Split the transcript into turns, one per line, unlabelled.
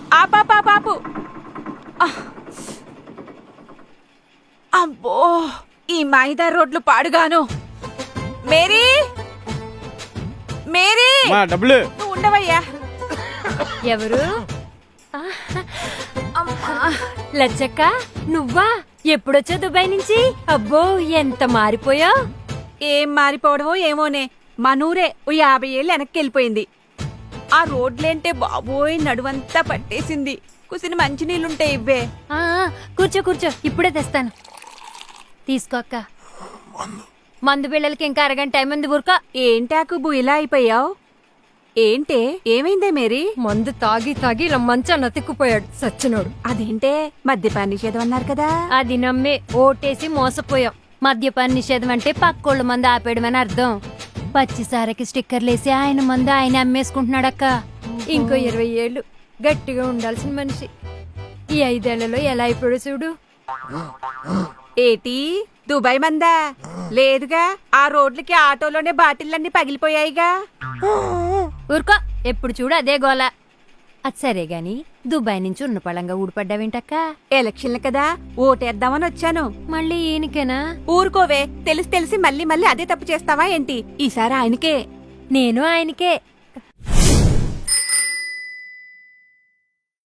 ఆపాపాపాపు. అబ్బో, ఈ మైదా రోడ్లు పాడుగాను. మేరీ, మేరీ,
డబ్బులు
నువ్వు ఉండవయ్యా.
ఎవరు? లచ్చక్క, నువ్వా? ఎప్పుడొచ్చా దుబాయ్ నుంచి? అబ్బో, ఎంత మారిపోయా.
ఏం మారిపోవడమో ఏమోనే, మనూరే ఓ 50 ఏళ్ళు వెనక్కి వెళ్ళిపోయింది. ఆ రోడ్లేంటే బాబోయ్ నడువంతా పట్టేసింది. కుసిన మంచినీళ్ళుంటాయి ఇవ్వే.
కూర్చో కూర్చో, ఇప్పుడే తెస్తాను. తీసుకో అక్క. మందు బిళ్ళలకి ఇంకా అరగంట టైం ఉంది. ఊరుకో.
ఏంటాకుబు ఇలా అయిపోయావు? ఏంటే, ఏమైందే మేరీ?
మందు తాగి తాగి ఇలా మంచాన్ని అతిక్కుపోయాడు సచ్చినోడు.
అదేంటే, మద్యపాన నిషేధం అన్నారు కదా.
అది నమ్మే ఓటేసి మోసపోయాం. మద్యపాన నిషేధం అంటే పక్కోళ్ళ మందు ఆపేయడమని అర్థం. పచ్చిసారకి స్టిక్కర్లేసి ఆయన మందు ఆయన అమ్మేసుకుంటున్నాడక్క. ఇంకో 20 ఏళ్ళు గట్టిగా ఉండాల్సిన మనిషి ఈ 5 ఏళ్లలో ఎలా అయిపోయాడు చూడు.
ఏటి, దుబాయ్ మందా? లేదుగా, ఆ రోడ్లకి ఆటోలోనే బాటిల్లన్నీ పగిలిపోయాయిగా.
ఊరుకో, ఎప్పుడు చూడు అదే గోల. అది సరే గాని దుబాయ్ నుంచి ఉన్న పళంగా ఊడిపడ్డావేంటక్క?
ఎలక్షన్లు కదా, ఓటేద్దామని వచ్చాను.
మళ్ళీ ఈయనకేనా?
ఊరుకోవే, తెలిసి తెలిసి మళ్ళీ మళ్ళీ అదే తప్పు చేస్తావా ఏంటి? ఈసారి ఆయనకే.
నేను ఆయనకే.